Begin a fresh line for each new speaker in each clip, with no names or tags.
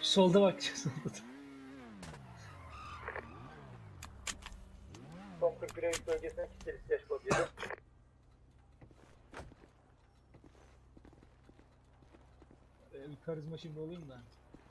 Solda bak. Solda.
Son 41 Eylül bölgesine kitleriz yaş koduydu.
Bir karizma şimdi olayım da.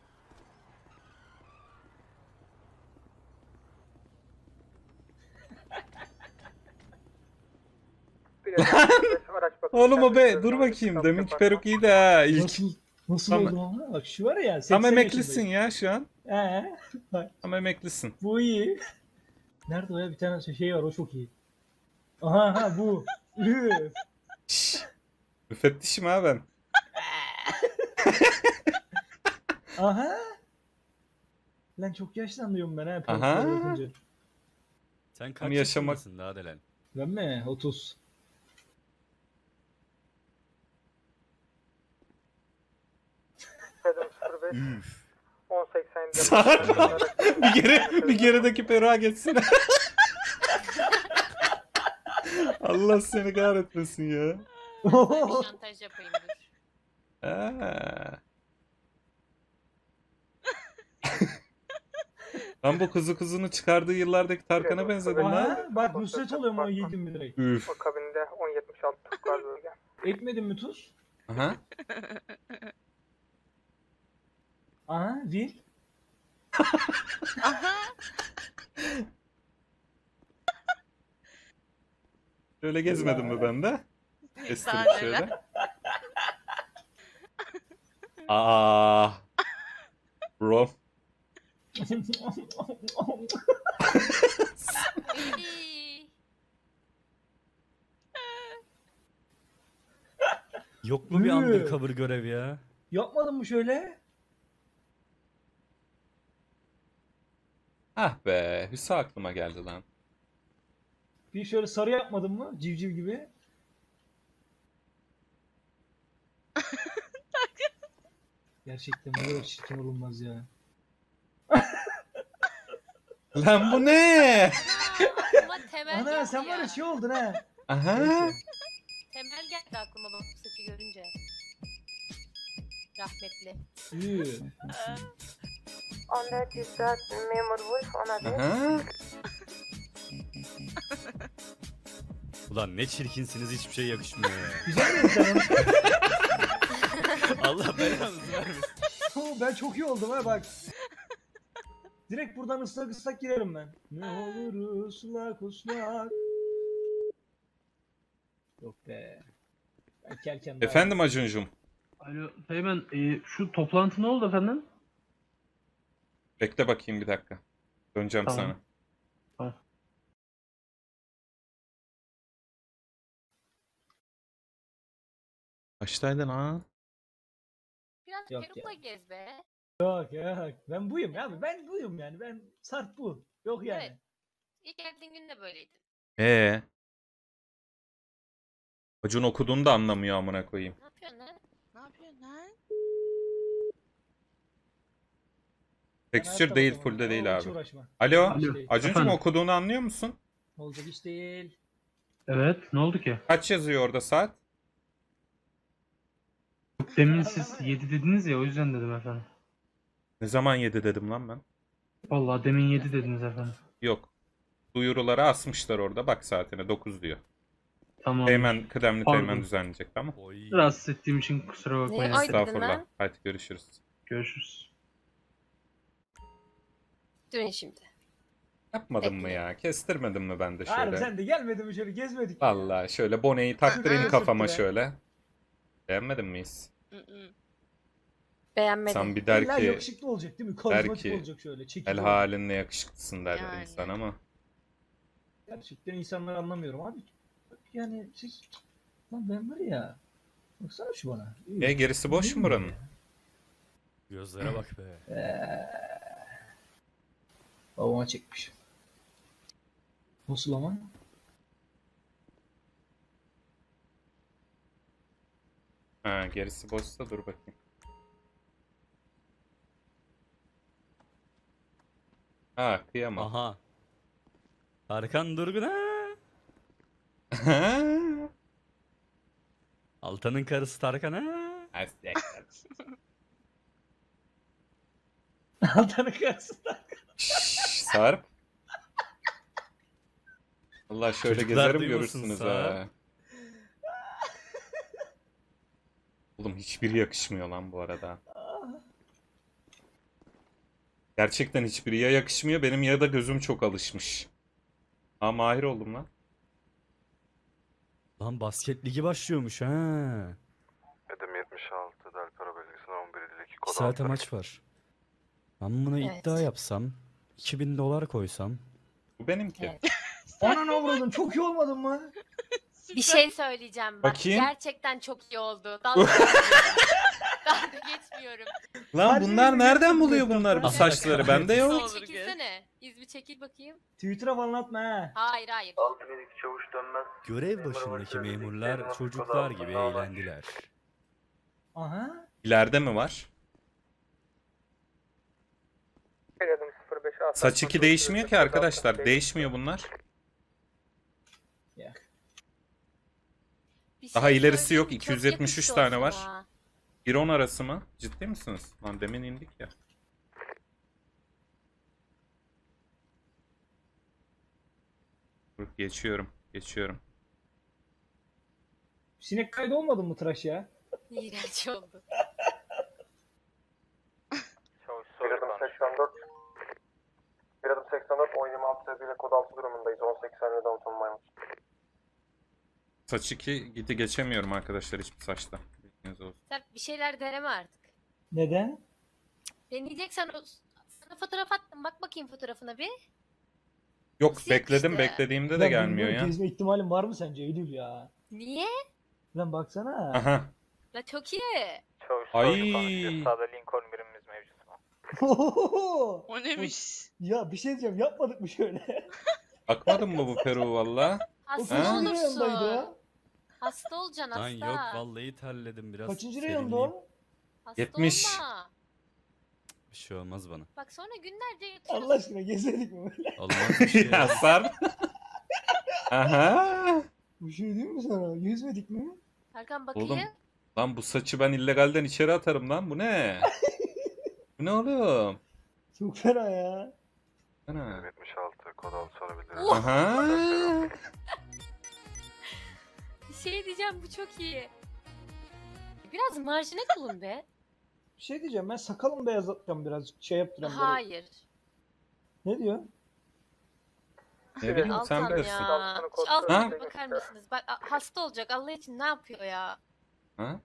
Oğlum o be dur bakayım. Deminki peruk iyiydi ha ilk.
Nasıl
Tam-
oldu ama? Bak şu var ya 80
Tam emeklisin
yaşındayım.
ya şu an.
Bak
Tam emeklisin.
bu iyi. Nerede o ya? Bir tane şey var o çok iyi. Aha bu. Üf.
Şşş. Müfettişim ha ben.
Aha. Lan çok yaşlanıyorum ben ha.
Aha.
perukları yapınca.
Sen kaç
yaşamak-
yaşındasın daha Delen?
Ben mi? 30.
Adam 05
Üf.
1080'de.
Sarp. bir gerideki peruğa geçsin. Allah seni kahretmesin ya.
Bir şantaj yapayım dur.
Ha. Lan bu kuzunu çıkardığı yıllardaki Tarkan'a benzedin lan.
Aha bak Nusret oluyorum o yedim mi direkt.
Üf.
Akabinde 1076 Tukar bölge.
Ekmedin mi tuz?
Aha.
Aha vil.
Aha.
Şöyle gezmedim mi ben de? Kestirip
Daha
şöyle.
neler.
Aa. Bro.
İyi.
Yok mu bir
Üf.
undercover görev ya?
Yapmadın mı şöyle?
Ah be. Hüsa aklıma geldi lan.
Bir şöyle sarı yapmadın mı? Civciv gibi. Gerçekten bu kadar çirkin olunmaz ya.
Lan bu ne?
Aklıma Temel
Ana
geldi
sen var ya şey oldun ha.
Aha.
Neyse.
Temel geldi aklıma bak bu saçı görünce. Rahmetli.
Üh.
14 104 Memur Wolf ona bir.
Aha.
Ulan ne çirkinsiniz, hiçbir şey yakışmıyor ya.
Güzel mi sen onu?
Allah belanızı vermesin.
Oo, ben çok iyi oldum ha bak. Direkt buradan ıslak ıslak girerim ben. Ne olur ıslak ıslak. Yok be. Ben kelken daha-
Efendim Acuncum.
Alo Teğmen, şu toplantı ne oldu efendim?
Bekle bakayım bir dakika. Döneceğim
Tamam.
sana.
Tamam.
Kaçtaydın ha?
Biraz
Yok
perukla gez be.
Yok yok. Ben buyum ya. Ben buyum yani. Ben Sarp bu. Yok yani.
Evet. İlk geldiğin gün de böyleydin.
Acun okuduğunu da anlamıyor amına koyayım.
Ne yapıyorsun lan? Ne yapıyorsun lan?
Ben
Texture
hayatta
değil,
bakamam.
full'de değil
Hiç
abi.
uğraşma.
Alo,
Alo.
Acuncum
Efendim?
okuduğunu anlıyor musun?
Olacak iş değil.
Evet, ne oldu ki?
Kaç yazıyor orada saat?
Demin siz 7 dediniz ya, o yüzden dedim efendim.
Ne zaman 7 dedim lan ben?
Vallahi demin 7 dediniz efendim.
Yok. Duyuruları asmışlar orada. Bak saatine 9 diyor.
Tamam.
Teğmen, kıdemli
Pardon.
teğmen düzenleyecek tamam.
Oy.
Rahatsız ettiğim için kusura bakmayın.
Ne? Ay dedin
Estağfurullah.
lan.
Hadi görüşürüz.
Görüşürüz.
Durun şimdi.
Yapmadın mı
Bekle.
ya? Kestirmedin mi ben de
Harbi
şöyle?
sen de gelmedin mi şöyle gezmedik mi ya?
Vallahi şöyle boneyi taktırayım
Hı hı.
kafama
Sürttü be.
şöyle. Beğenmedin miyiz?
Beğenmedim.
Sen bir der
İlla
ki
yakışıklı olacak değil mi? Karizmatik
ki,
olacak şöyle. Çekici
el
olacak.
halinle yakışıklısın der
Yani.
insan ama.
Gerçekten insanları anlamıyorum abi. Yani siz... Lan ben var ya... Baksana şu bana.
Gerisi boş mu buranın?
Gözlere bak be.
Babama çekmiş. Nasıl ama?
Ha, gerisi boşsa dur bakayım. Ha, kıyamam.
Aha. Tarkan Durgun ha. Altan'ın karısı Tarkan ha.
Altan'ın karşısında.
Şşş, Sarp. Allah şöyle
Çocuklar
gezerim
duymasın
görürsünüz
Sarp.
ha. Oğlum hiçbiri yakışmıyor lan bu arada. Gerçekten hiçbiri ya yakışmıyor benim ya da gözüm çok alışmış. Aa mahir oldum lan.
Lan basket ligi başlıyormuş ha.
Edim 76 Del Pera bölgesine 11 ileki
2
kod
saate
6.
maç var. Ben buna
Evet.
iddia yapsam, $2000 koysam.
Bu benimki.
Evet.
Ananı avradın çok iyi olmadın mı?
Bir şey söyleyeceğim bak.
Bakayım.
Gerçekten çok iyi oldu. Dalga geçmiyorum.
Lan
Hadi
bunlar
yürü,
nereden
yürü,
buluyor
yürü.
bunlar bu
Hadi.
saçları? Bende yok.
İzmi çekilsene. İzmi çekil bakayım.
Twitter'a falan atma ha.
Hayır hayır.
6 çavuş dönmez.
Görev başındaki memurlar çocuklar gibi eğlendiler.
Aha.
İleride mi var?
Adım 05 A.
Saç 2 değişmiyor ki arkadaşlar. Değişmiyor bunlar.
Ya.
Bir
Daha
şey
ilerisi yok,
söyleyeyim mi? Çok
273
yakıştı o
tane var.
sana.
1-10 arası mı? Ciddi misiniz? Lan demin indik ya. Dur, geçiyorum. Geçiyorum.
Sinek kaydı olmadın mı tıraş ya?
İğrenç oldu.
Çavuş bir adım 84. Bir adım 84 1026 sebebiyle kod 6 durumundayız. 1080'de Downton Maymun.
Saç 2 gidi geçemiyorum arkadaşlar hiçbir saçta. Bilginiz olsun.
Sen bir şeyler deneme artık.
Neden?
Deneyeceksen sana fotoğraf attım. Bak bakayım fotoğrafına bir.
Yok
Nasıl
bekledim
yakıştı?
beklediğimde de
Lan
gelmiyor
bilmiyorum,
ya.
Gezme ihtimalin var mı sence Eylül ya?
Niye?
Lan baksana.
Aha.
La çok iyi.
Çavuş
Ay.
konuşuyor. Sağda Lincoln birimimiz mevcut.
O neymiş?
Ya bir şey diyeceğim yapmadık mı şöyle?
Bakmadın mı bu Peru valla?
Hasta
Ha?
Kaçıncı reyondaydı
olursun.
o?
Hasta olacaksın
Lan
hasta.
yok vallahi terledim biraz.
Kaçıncı reyonda
serinleyeyim.
o?
Hasta
70.
olma.
Bir şey olmaz bana.
Bak sonra günlerce yatıyorsun.
Allah aşkına gezmedik mi böyle?
Olmaz bir şey.
Ya Sarp. Aha.
Bir şey diyeyim mi sana? Yüzmedik mi?
Erkan bakayım.
Oğlum. Lan bu saçı ben illegalden içeri atarım lan. Bu ne? Bu ne oğlum?
Çok fena ya.
Ana.
Edim 76 kod 6 sorabiliriz.
Oh!
Aha.
Bir şey diyeceğim bu çok iyi. Biraz marjine bulun be.
Bir şey diyeceğim ben sakalımı beyazlatacağım birazcık şey yaptıracağım böyle.
Hayır.
Ne diyor?
Ne bileyim sen
Altan
bilirsin.
ya.
Altını kod
Şu
söyle.
Altan'a bakar mısınız? Bak hasta olacak Allah için ne yapıyor ya?
Ha?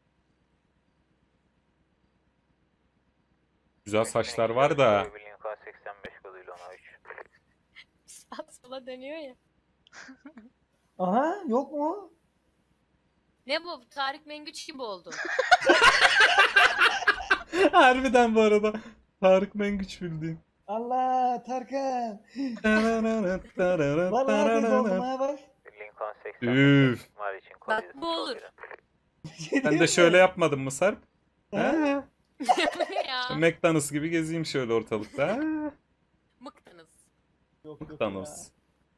Güzel saçlar var da.
Lincoln 85 koduyla 13.
Sağa sola dönüyor ya.
Aha yok mu?
Ne bu? Tarık Mengüç gibi oldu.
Harbiden bu arada. Tarık Mengüç bildiğin.
Allah Tarkan. Vallahi biz oldum ha bak.
Lincoln 85
Üf.
var için kod
Bak,
7
bu olur.
Bir şey
Ben
diyeyim
de
mi?
şöyle yapmadım mı Sarp?
Ha?
Ha?
ya.
McDonald's gibi gezeyim şöyle ortalıkta. Ha?
Mıktınız.
Yok, yok
McDonald's.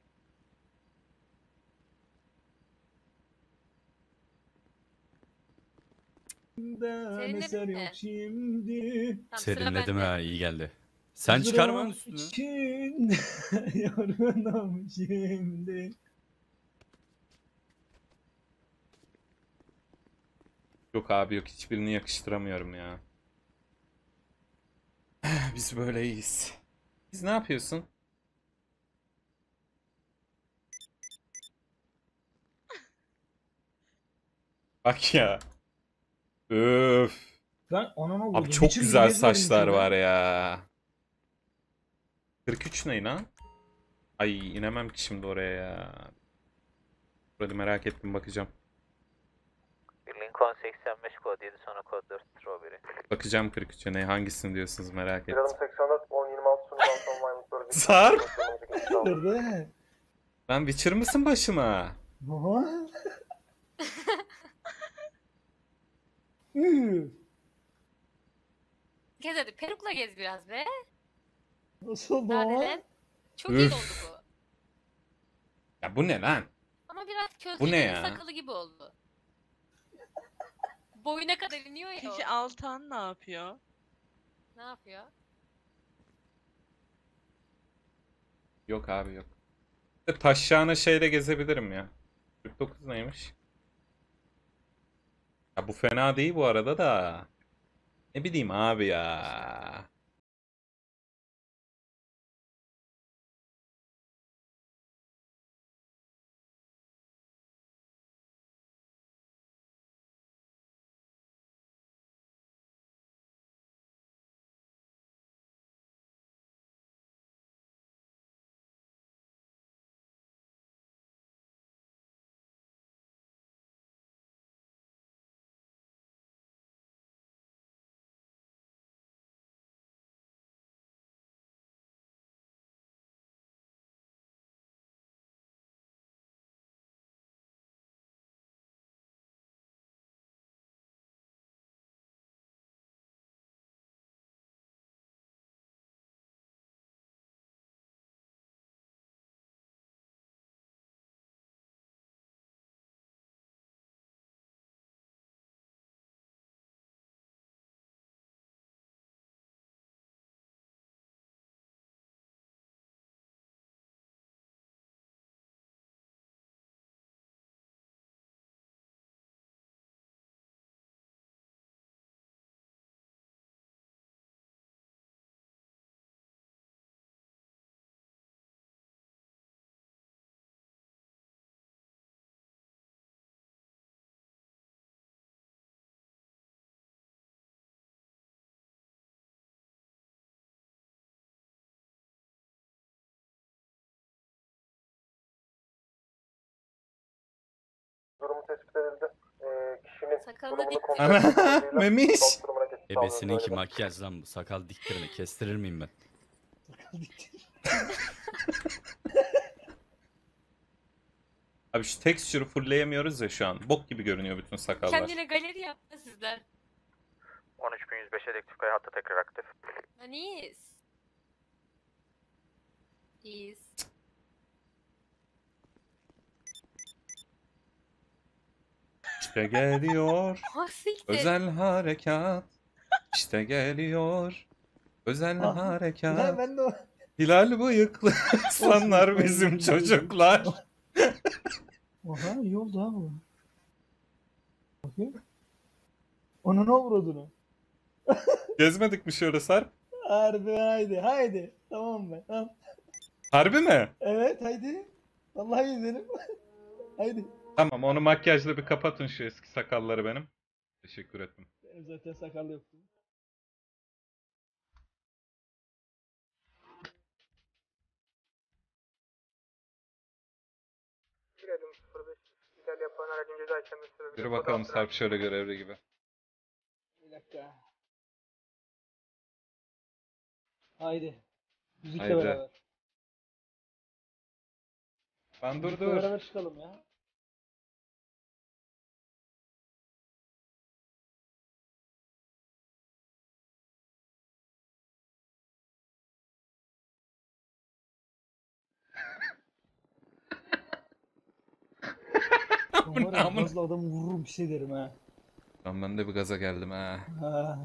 ya.
Serinledin
Eser
mi?
yok şimdi.
Tamam, sıra
Serinledim
bende.
ha iyi geldi. Sen çıkarma lan üstünü.
için yorgunum şimdi.
Yok abi yok hiçbirini yakıştıramıyorum ya. Biz böyle iyiyiz. Biz ne yapıyorsun? Bak ya. Öf.
Ben anana vurdum.
Abi çok
Hiç
güzel
gezmedim
saçlar
ki ben.
var ya. 43 ne lan? Ay inemem ki şimdi oraya ya. Burada merak ettim bakacağım.
Lincoln 85 kod 7 sonra kod 4 Strawberry.
Bakacağım 43'e ne hangisini diyorsunuz merak
Bir
ettim.
adım 84 1026 sonu Downton Maymun bölgesi.
Sarp!
Nerede?
Lan Witcher mısın başıma?
Aha. Üf,
Gez hadi perukla gez biraz be.
Nasıl oldu
Daha
ama?
neden? Çok iyi
Üf.
oldu bu.
Ya bu ne lan?
Ama biraz
Bu ne
közlerin
ya?
sakalı gibi oldu. Boyuna kadar iniyor ya o.
Peki Altan ne yapıyor?
Ne yapıyor?
Yok abi yok. Taşyağına şeyle gezebilirim ya. 49 neymiş? Ya bu fena değil bu arada da. Ne bileyim abi ya.
Durumu tespit edildi. Kişinin
Sakalını
durumunu
dikti.
kontrol
Ana,
edildi.
memiş.
Sağlık durumuna geçiş sağlıyoruz,
Ebesininki
öyle.
makyaj lan bu. Sakal diktirme. Kestirir miyim ben?
Abi şu texture'ı fullleyemiyoruz ya şu an. Bok gibi görünüyor bütün sakallar.
Kendine galeri yaptı sizler.
13105 elektrikli hattı tekrar aktif.
Hani iyiyiz. İyiyiz.
İşte geliyor
Ha siktir.
özel harekat. İşte geliyor özel
Ah,
harekat.
Ya ben de o...
Hilal bıyıklı insanlar bizim çocuklar.
Oha iyi oldu ha bu. Bakayım. Ona ne vurdu?
Gezmedik mi şöyle Sarp?
Harbi haydi. Tamam ben. Tamam.
Harbi mi?
Evet haydi. Vallahi izlerim. Haydi.
Tamam onu makyajla bir kapatın şu eski sakalları benim. Teşekkür ettim.
Benim zaten sakal yoktu.
Girelim 05. İhlal yapan aracın ceza işlemi sürebilir.
Yürü bakalım Sarp şöyle görevli gibi.
Bir dakika. Haydi. Müzikle
Haydi.
beraber.
Ben dur
Müzikle
dur.
beraber çıkalım ya.
Bu ne amına?
Fazla adamı vururum bir şey derim ha.
Lan ben de bir gaza geldim ha.
Ha.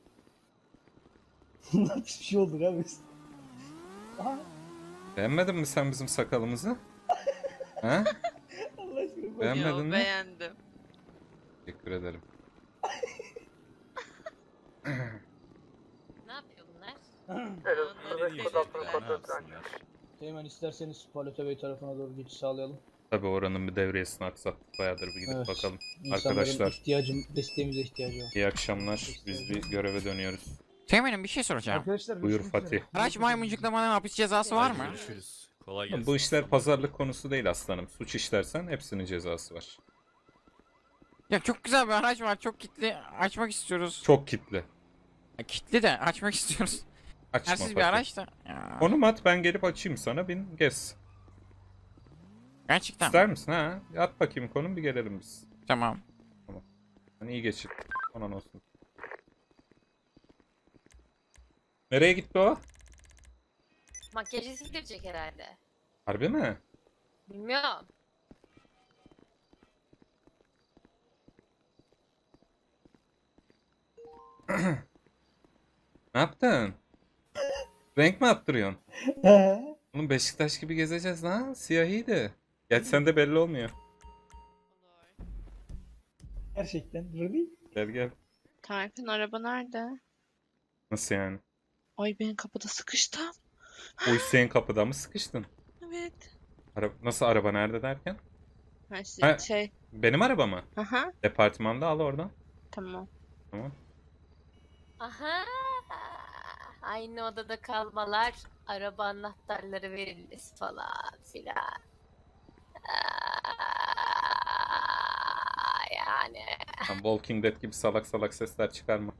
Bundan hiçbir şey olur abi. Aha.
Beğenmedin mi sen bizim sakalımızı? Ha?
Allah aşkına bak.
Beğenmedin
Yo,
mi?
beğendim.
Teşekkür ederim.
Ne yapıyor bunlar?
Evet,
Onları
05 kod altını
diyecekler,
kontrol
Ne
ettiren.
yapsınlar?
Hemen isterseniz Paleta Bey tarafına doğru geçiş sağlayalım.
Tabii oranın bir devriyesini aksattık. Bayağıdır bir gidip
Evet.
bakalım.
İnsanların
Arkadaşlar
desteğimize ihtiyacı var.
iyi akşamlar. Biz bir göreve dönüyoruz.
Teğmenim bir şey soracağım.
Arkadaşlar
Buyur
görüşmek üzere.
Fatih.
Araç maymuncuklamanın hapis cezası var mı?
Hadi görüşürüz. Kolay gelsin.
Bu işler pazarlık konusu değil aslanım. Suç işlersen hepsinin cezası var.
Ya çok güzel bir araç var. Çok kitli. Açmak istiyoruz.
Çok kitli.
Ya, kitli de açmak istiyoruz.
Açma
Yersiz bir
Fatih.
araç da. Ya,
Konum at ben gelip açayım sana bin gez.
gerçekten.
İster misin ha? At bakayım konum bir gelelim biz.
Tamam.
Hani iyi geçin. Anan olsun. Nereye gitti o?
Makyajı sildirecek herhalde.
Harbi mi?
Bilmiyorum.
Ne yaptın? Renk mi attırıyorsun?
He.
Oğlum Beşiktaş gibi gezeceğiz lan. Siyahiydi. Gerçi sende belli olmuyor.
Gerçekten. Ruby.
Gel gel.
Tarkan araba nerede?
Nasıl yani?
Ay ben kapıda sıkıştım.
O Hüseyin kapıda mı sıkıştın?
Evet.
Nasıl araba nerede derken?
Ha,
Ha.
şey.
Benim araba mı?
Aha.
Departmanda al oradan.
Tamam.
Tamam.
Aha. Aynı odada kalmalar, araba anahtarları verilmesi falan filan. Yani.
Lan Walking Dead gibi salak salak sesler çıkarma.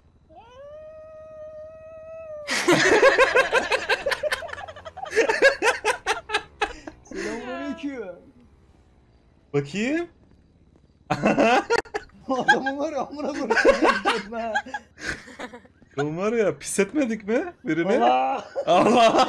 Selamünaleyküm.
Bakayım.
Adamın var ya amına koyayım ha.
Oğlum var ya pis etmedik mi birini?
Allah.
Allah.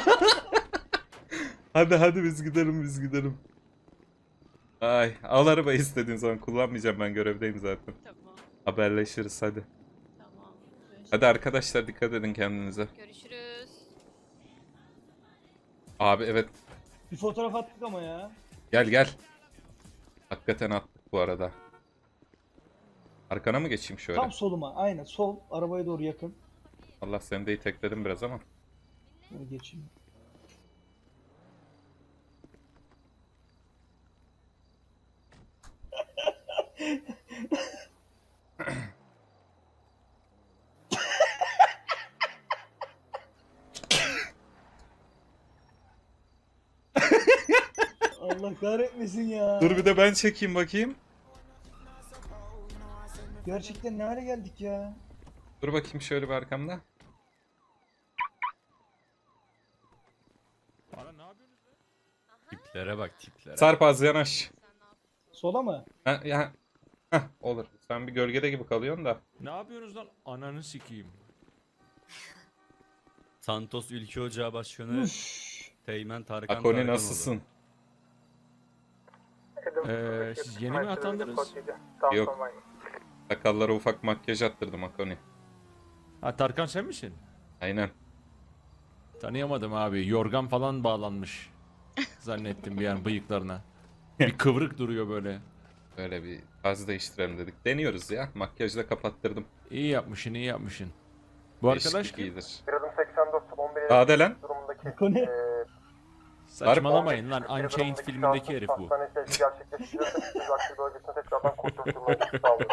Hadi biz gidelim. Ay al arabayı istediğin zaman kullanmayacağım, ben görevdeyim zaten.
Tamam.
Haberleşiriz hadi.
Tamam.
Hadi arkadaşlar dikkat edin kendinize.
Görüşürüz.
Abi evet
Bir fotoğraf attık ama ya.
gel. Hakikaten attık bu arada. Arkana mı geçeyim şöyle?
Tam soluma. Aynen sol. Arabaya doğru yakın.
Allah seni de itekledim biraz ama.
Böyle geçeyim. Allah kahretmesin ya.
Dur bir de ben çekeyim bakayım.
Gerçekten ne hale geldik ya.
Dur bakayım şöyle bir arkamda.
Tiplere bak tiplere.
Sarp az yanaş.
Sola mı?
Ha, ya. Heh, olur. Sen bir gölgede gibi kalıyorsun da.
Ne yapıyorsunuz lan? Ananı sikeyim.
Santos Ülke Ocağı Başkanı Teğmen Tarkan
Akoni
Tarkanoğlu.
nasılsın?
Siz yeni mi atandınız?
Yok. Sakallara ufak makyaj attırdım Akoni.
Ha Tarkan sen misin?
Aynen.
Tanıyamadım abi. Yorgan falan bağlanmış. Zannettim bir an bıyıklarına. Bir kıvrık duruyor böyle.
Böyle bir tarz değiştirelim dedik. Deniyoruz ya. Makyajla kapattırdım.
İyi yapmışsın. Bu arkadaş
Değişiklik
kim?
iyidir.
Bir adım 84, 11
Sade lan.
durumundaki
Kone.
Saçmalamayın lan. Unchained filmindeki herif bu.
Hastane seyri gerçekleştirilirse bütün aktif bölgesine tekrardan kontrol sağlıyor.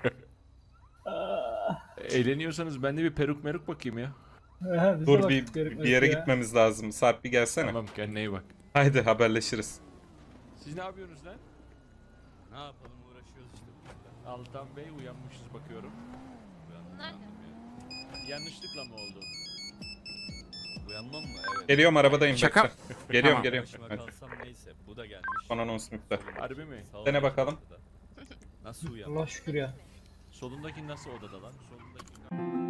Eğleniyorsanız ben de bir peruk meruk bakayım ya.
Dur bir yere gitmemiz lazım. Sarp bir gelsene.
Tamam kendine iyi bak.
Haydi haberleşiriz.
Siz ne yapıyorsunuz lan?
Ne yapalım uğraşıyoruz işte.
Altan Bey uyanmışız bakıyorum.
Bunlar
Yanlışlıkla mı oldu?
Uyanmam mı? Evet.
Geliyorum arabadayım.
Şaka.
bekle. Geliyorum
Tamam.
geliyorum.
Başıma
Hadi.
kalsam neyse. Bu da gelmiş.
Son anons müptel.
Harbi mi?
Sağ ol.
Dene bakalım.
Nasıl uyandım?
Allah şükür ya.
Solundaki nasıl odada lan? Solundaki...